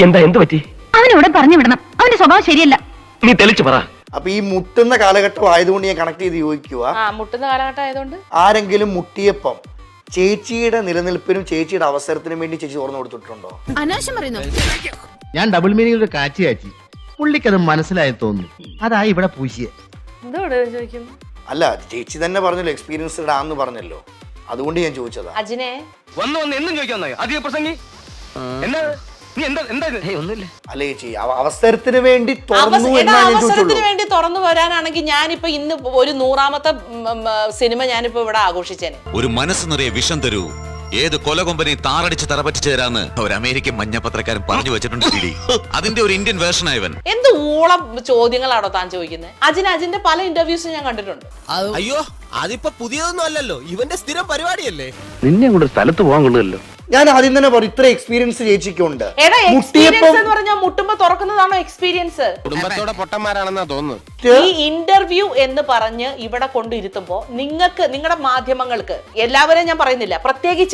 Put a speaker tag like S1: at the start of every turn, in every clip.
S1: എന്താ എന്ത് പറ്റി?
S2: അവനിവിടെ പറഞ്ഞു വിടണം. അവന്റെ സ്വഭാവം ശരിയല്ല.
S1: നീ തെളിച്ചു പറ.
S3: അപ്പൊ ഈ മുട്ടുന്ന കാലഘട്ടം ആയതുകൊണ്ട് ഞാൻ കണക്ട് ചെയ്ത് ചോദിക്കുക,
S4: മുട്ടുന്ന കാലഘട്ടം ആയതുകൊണ്ട്
S3: ആരെങ്കിലും മുട്ടിയപ്പം ചേച്ചിയുടെ നിലനിൽപ്പിനും ചേച്ചിയുടെ അവസരത്തിനും വേണ്ടി ചേച്ചി തുറന്നു കൊടുത്തിട്ടുണ്ടോ?
S2: അനാവശ്യം പറയുന്നു.
S5: ഞാൻ ഡബിൾ മീനിംഗ് കാച്ചി പുള്ളിക്കത് മനസ്സിലായി തോന്നുന്നു. അതാ ഇവിടെ പൂശിയെ.
S4: ചോദിക്കുന്നു.
S3: അല്ല, ചേച്ചി തന്നെ പറഞ്ഞല്ലോ എക്സ്പീരിയൻസ്ഡ് ആണെന്ന് പറഞ്ഞല്ലോ, അതുകൊണ്ട് ഞാൻ ചോദിച്ചതാ.
S4: അജിനെ
S1: വന്ന് എന്നും ചോദിക്കാൻ അധിക പ്രസംഗി എന്താ നീ എന്താ ഒന്നുമില്ല.
S3: അല്ല ചേച്ചി, അവസരത്തിന് വേണ്ടി തുറന്നു
S4: അവസരത്തിന് വേണ്ടി തുറന്നു വരാനാണെങ്കിൽ ഞാനിപ്പോ ഇന്ന് ഒരു 100ാമത്തെ സിനിമ ഞാനിപ്പോ ഇവിടെ ആഘോഷിച്ചേനെ.
S6: ഒരു മനസ്സ് നിറയെ വിഷം തരൂ, ഏത് കൊലകൊമ്പനെ താറടിച്ച് തറപറ്റിച്ചു തരാന്ന് ഒരു അമേരിക്കൻ മഞ്ഞപത്രക്കാരൻ പറഞ്ഞു വെച്ചിട്ടുണ്ട്. അതിന്റെ ഒരു ഇന്ത്യൻ വേർഷൻ ആയവൻ.
S4: എന്ത് ഊളം ചോദ്യങ്ങളാണോ താൻ ചോദിക്കുന്നത്? അജിന്റെ പല ഇന്റർവ്യൂസും ഞാൻ കണ്ടിട്ടുണ്ട്.
S7: അയ്യോ, അതിപ്പോ പുതിയതൊന്നും അല്ലല്ലോ, ഇവന്റെ സ്ഥിരം പരിപാടിയല്ലേ.
S1: നിന്നെ കൊണ്ട് സ്ഥലത്ത് പോകാൻ കൊള്ളുമല്ലോ.
S3: ഞാൻ ആദ്യം തന്നെ പറയും, ഇത്ര എക്സ്പീരിയൻസ് ചേച്ചിക്കുണ്ട്.
S4: മുട്ടുമ്പോ തുറക്കുന്നതാണോ എക്സ്പീരിയൻസ്?
S7: കുടുംബത്തോടെ പൊട്ടന്മാരാണെന്നാ തോന്നുന്നു.
S4: ഈ ഇന്റർവ്യൂ എന്ന് പറഞ്ഞ് ഇവിടെ കൊണ്ടിരുത്തുമ്പോ നിങ്ങൾക്ക്, നിങ്ങളുടെ മാധ്യമങ്ങൾക്ക്, എല്ലാവരെയും ഞാൻ പറയുന്നില്ല, പ്രത്യേകിച്ച്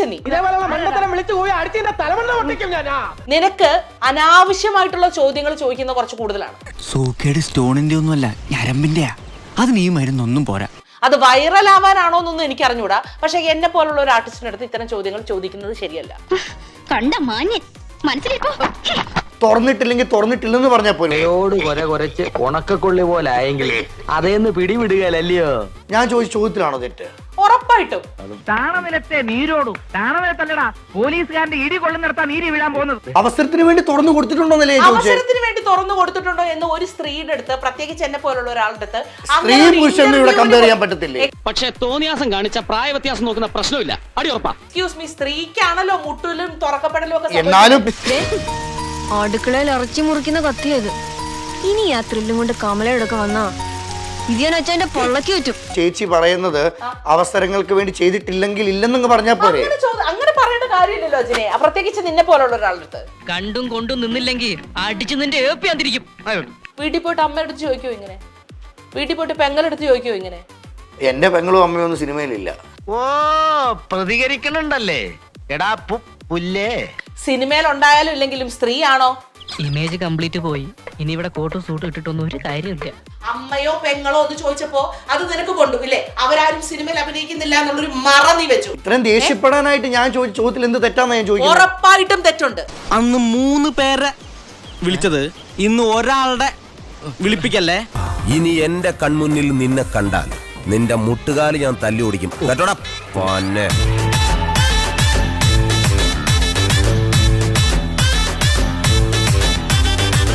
S4: നിനക്ക് അനാവശ്യമായിട്ടുള്ള ചോദ്യങ്ങൾ ചോദിക്കുന്ന കുറച്ച് കൂടുതലാണ്.
S8: സൂക്കേട് സ്റ്റോണിന്റെ ഒന്നുമല്ല, ഞരമ്പിന്റെയാ. അതിന് ഈ മരുന്നൊന്നും പോരാ.
S4: അത് വൈറൽ ആവാനാണോ എന്നൊന്നും എനിക്ക് അറിഞ്ഞൂടാ. പക്ഷെ എന്നെ പോലുള്ള ഒരു ആർട്ടിസ്റ്റിന്റെ അടുത്ത് ഇത്തരം ചോദ്യങ്ങൾ ചോദിക്കുന്നത് ശരിയല്ല.
S2: കണ്ട മാന്യൻ മനസ്സിലേക്കോ.
S3: തുറന്നിട്ടില്ലെങ്കിൽ തുറന്നിട്ടില്ലെന്ന് പറഞ്ഞാൽ പോലെ
S1: കുറച്ച് ഉണക്കക്കൊള്ളി പോലെ ആയെങ്കിൽ അതേന്ന് പിടിവിടുകയല്ലയോ.
S3: ഞാൻ ചോദിച്ച ചോദ്യത്തിലാണോ തെറ്റ്?
S4: ഉറപ്പായിട്ടും.
S9: താണനിലത്തെ നീരോടും താണനിലത്തല്ലടാ പോലീസുകാരന്റെ ഇടി കൊള്ളുന്നിടത്താ നീര് വീഴാൻ പോകുന്നത്.
S3: അവസരത്തിന് വേണ്ടി തുറന്നു കൊടുത്തിട്ടുണ്ടോന്നല്ലേ ഞാൻ ചോദിച്ചത്.
S4: അവസരത്തിന് വേണ്ടി തുറന്നു കൊടുത്തിട്ടുണ്ടോ എന്ന് ഒരു സ്ത്രീയുടെ അടുത്ത്, പ്രത്യേകിച്ച് എന്നെ പോലുള്ള ഒരാളുടെ അടുത്ത്
S3: സ്ത്രീ പുരുഷനും ഇവിടെ കമ്പയർ ചെയ്യാൻ പറ്റത്തില്ലേ?
S9: പക്ഷെ തോന്നിയാസം കാണിച്ച പ്രായ വ്യത്യാസം നോക്കുന്ന പ്രശ്നമില്ല. അടി ഉറപ്പാ.
S4: എക്സ്ക്യൂസ് മീ, സ്ത്രീക്കാണല്ലോ മുട്ടലും തുറക്കപ്പെടലും ഒക്കെ.
S3: എന്നാലും
S2: അടുക്കളയിൽ ഇറച്ചി മുറിക്കുന്ന കത്തിയത്. ഇനി ആ ത്രില്ലും കൊണ്ട് കമലയോടൊക്കെ വന്നാ ഇതിന്റെ പൊള്ളക്ക് പറ്റും.
S3: ചേച്ചി പറയുന്നത് അവസരങ്ങൾക്ക് വേണ്ടി ചെയ്തിട്ടില്ലെങ്കിൽ ഇല്ലെന്നങ്ങ് പറഞ്ഞാൽ പോരെ.
S4: അങ്ങനെ പറയേണ്ട കാര്യമില്ലല്ലോ അജിനെ, പ്രത്യേകിച്ച് നിന്നെ പോലുള്ള ഒരാളുടെ അടുത്ത്.
S9: കണ്ടും കൊണ്ടും നിന്നില്ലെങ്കിൽ അടിച്ചു നിന്റെ ഏപ്പിയാതിരിക്കും.
S4: വീട്ടിൽ പോയിട്ട് അമ്മയുടെ അടുത്ത് ചോദിക്കോ ഇങ്ങനെ? വീട്ടിൽ പോയിട്ട് പെങ്ങളെടുത്ത് ചോദിക്കോ ഇങ്ങനെ?
S3: എന്റെ പെങ്ങളും അമ്മയും ഒന്നും സിനിമയിലില്ല.
S5: ഓ, പ്രതികരിക്കണുണ്ടല്ലേ എടാ പുല്ലേ.
S4: സിനിമയിൽ ഉണ്ടായാലും ഇല്ലെങ്കിലും സ്ത്രീ ആണോ?
S9: ഇമേജ് കംപ്ലീറ്റ് പോയി. ഇനി ഇവിടെ കോട്ടും സൂട്ടും ഇട്ടിട്ടൊന്നും ഒരു കാര്യമില്ല.
S4: അമ്മയോ പെങ്ങളോ എന്ന് ചോദിച്ചപ്പോ അത് നിനക്ക് കൊണ്ടു ഇല്ലേ? അവരാരും സിനിമയിൽ അഭിനയിക്കുന്നില്ല എന്നുള്ളൊരു മറ നീ വെച്ചു.
S3: ഇത്രയും ദേഷ്യപ്പെടാനായിട്ട് ഞാൻ ചോദിച്ച ചോദ്യത്തിൽ എന്ത് തെറ്റാന്ന് ഞാൻ ചോദിക്കുന്നത്.
S4: ഉറപ്പായിട്ടും തെറ്റുണ്ട്.
S8: അന്ന് 3 പേരെ വിളിച്ചത്, ഇന്ന് ഒരാളുടെ വിളിപ്പിക്കല്ലേ.
S7: ഇനി എന്റെ കൺമുന്നിൽ നിന്നെ കണ്ടാൽ നിന്റെ മുട്ടുകാല് ഞാൻ തല്ലി ഓടിക്കും കേട്ടോടാ.